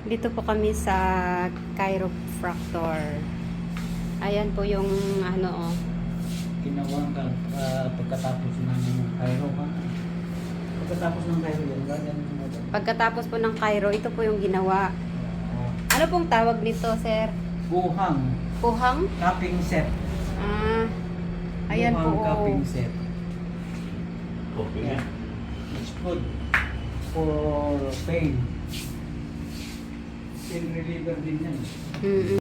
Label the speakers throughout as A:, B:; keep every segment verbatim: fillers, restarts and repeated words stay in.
A: Dito po kami sa chiropractor. Ayan po yung ano oh.
B: Ginawa ka uh, pagkatapos ng Cairo ka. Pagkatapos ng Cairo yan, ganyan mo ba?
A: Pagkatapos po ng chiro, ito po yung ginawa.
B: Oo.
A: Ano pong tawag nito, sir?
B: Buhang.
A: Puhang?
B: Cupping set.
A: Ah, ayan
B: Buhang
A: po.
B: cupping set.
C: Okay.
B: Yeah. It's good for pain. Pain reliever din yan.
A: Mm-mm.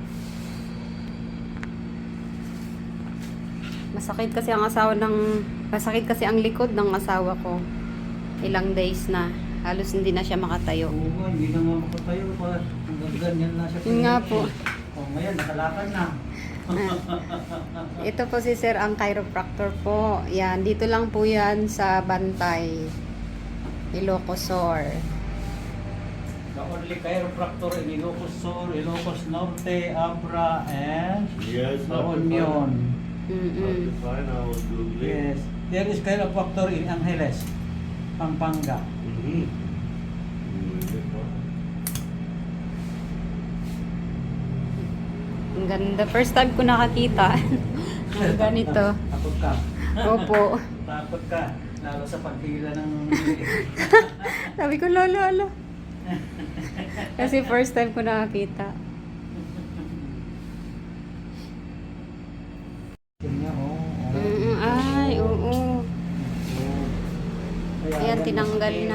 A: Masakit kasi ang asawa ng masakit kasi ang likod ng asawa ko. Ilang days na. Halos hindi na siya makatayo.
B: Oo nga, hindi na nga makatayo pa. Hanggang ganyan na siya.
A: Yun nga po.
B: O ngayon, nakalakad na.
A: Ito po si Sir ang chiropractor po. Yan, dito lang po yan sa Bantay. Ilocos Sur.
B: The only chiropractor in Ilocos Sur, Ilocos Norte, Abra, and
C: Yes,
B: La Union.
A: Mm-mm.
C: Fine, I was googling.
B: Yes, there is chiropractor in Angeles, Pampanga.
C: Mm-hmm.
A: Ang ganda. First time ko nakakita ng ganito.
B: Takot ka.
A: Opo.
B: Takot ka. Lalo sa paghila ng...
A: Sabi ko, lolo, lolo. Kasi first time ko nakakita.
B: Tingnan, oh. oh.
A: Mm, ay, oo.
B: Kaya
A: Ayan,
B: yan,
A: tinanggal
B: masakit.
A: na.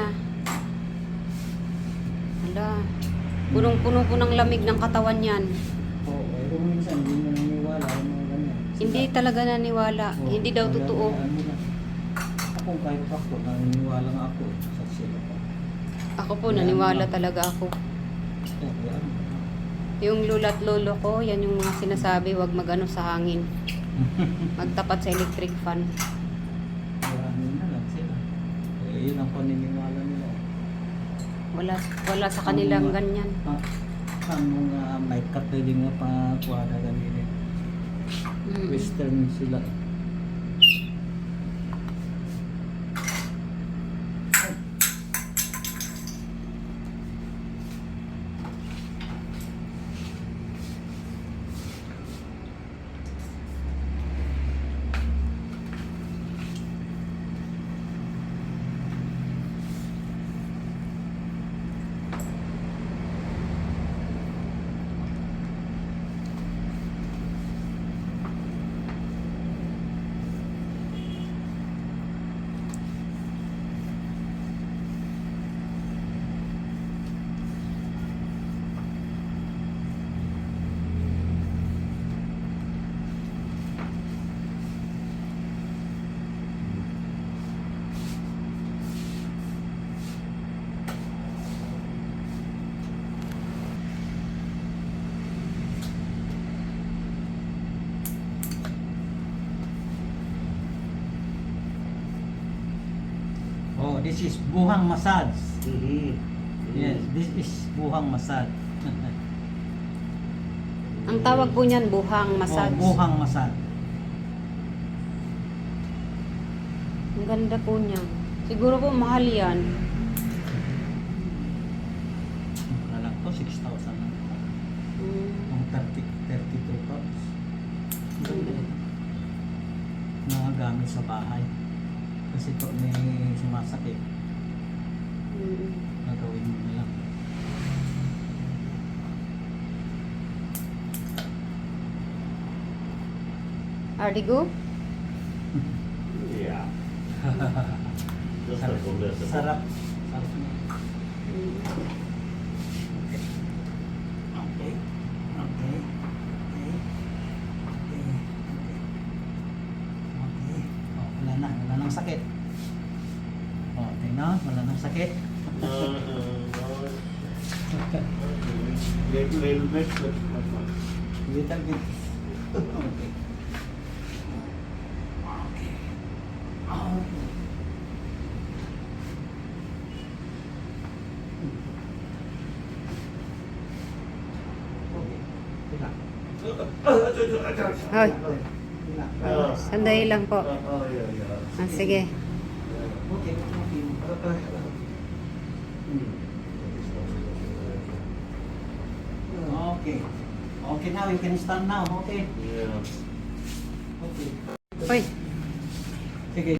A: Hala. Punong-puno po ng lamig ng katawan yan.
B: Oo, eh, kung minsan hindi mo naniniwala yung mga ganyan.
A: Hindi talaga naniwala.
B: Oo,
A: Hindi daw
B: kaya-
A: totoo.
B: kaya ano na. Ako kahit ako, naniniwala nga ako sa sila pa.
A: Ako po, naniwala talaga ako.
B: Oo, kaya ano.
A: Yung lula't lolo ko, yan yung mga sinasabi, wag magano sa hangin. Magtapat sa electric fan.
B: Kaya ano na lang sila. Eh, yun ang paniniwala nila.
A: Wala wala sa kanilang ganyan.
B: Ha? Ang mga may kapili nga pa kuwada ganyan.
A: Mm.
B: Western sila. Oh, this is buhang massage.
C: Mm-hmm.
B: Yes, this is buhang massage.
A: Ang tawag po niyan, buhang massage.
B: Oh, buhang massage.
A: Ang ganda po niya. Siguro po mahal yan.
B: Ano lang to, six thousand lang.
A: Mm.
B: Ang thirty, thirty-two cups.
A: Mm.
B: Mga gamit sa bahay. Kasi pag may sumasakit,
A: Mm.
B: gagawin mo na lang.
A: Ardigo?
C: Yeah. Just a little.
B: Sarap. Sarap na.
A: Mm.
B: Okay. Okay. Okay. Okay. Okay. Okay. Oh, wala na. Wala nang sakit. Oh, tingnan. Wala nang sakit.
C: Uh, uh, little, little bit, but not much.
B: Little bit. Okay. Okay. Oh. Okay. Tila.
A: Hoy,
B: Tila.
C: Ah.
A: sandali lang po.
C: Oh, yeah, yeah.
A: Ah, sige.
B: Okay. Okay.
C: Hmm.
B: Okay, now you can stand now. Okay.
C: Yeah.
B: Okay.
A: Uy,